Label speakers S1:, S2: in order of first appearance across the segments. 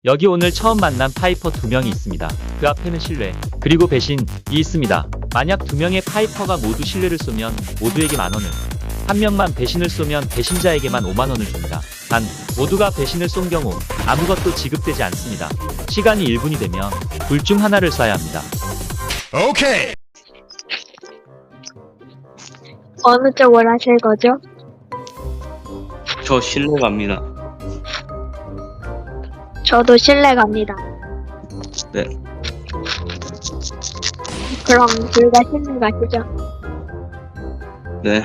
S1: 여기 오늘 처음 만난 파이퍼 2명이 있습니다. 그 앞에는 신뢰, 그리고 배신이 있습니다. 만약 2명의 파이퍼가 모두 신뢰를 쏘면 모두에게 만원을, 한 명만 배신을 쏘면 배신자에게만 5만원을 줍니다. 단, 모두가 배신을 쏜 경우 아무것도 지급되지 않습니다. 시간이 1분이 되면 둘 중 하나를 쏴야 합니다.
S2: 오케이.
S3: 어느 쪽을 하실 거죠?
S4: 저 신뢰 갑니다.
S3: 저도 신뢰 갑니다.
S4: 네.
S3: 그럼 둘 다 신뢰 가시죠.
S4: 네.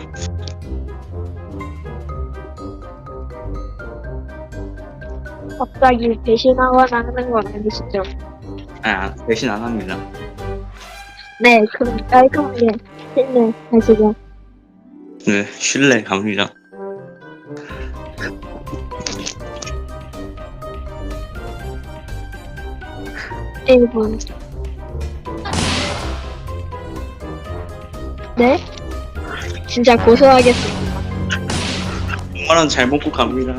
S3: 갑자기 배신하거나 하는 건 아니시죠?
S4: 배신 안 합니다.
S3: 네, 그럼 깔끔하게 신뢰 가시죠.
S4: 네, 신뢰 갑니다.
S3: 일분 네? 진짜 고소하겠습니다.
S4: 5만원 잘 먹고 갑니다.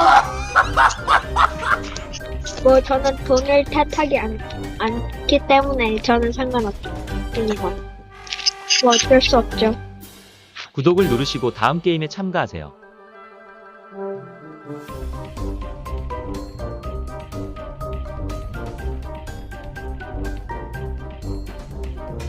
S3: 뭐 저는 돈을 탓하기 않기 때문에 저는 상관없습니다. 뭐 어쩔 수 없죠.
S1: 구독을 누르시고 다음 게임에 참가하세요.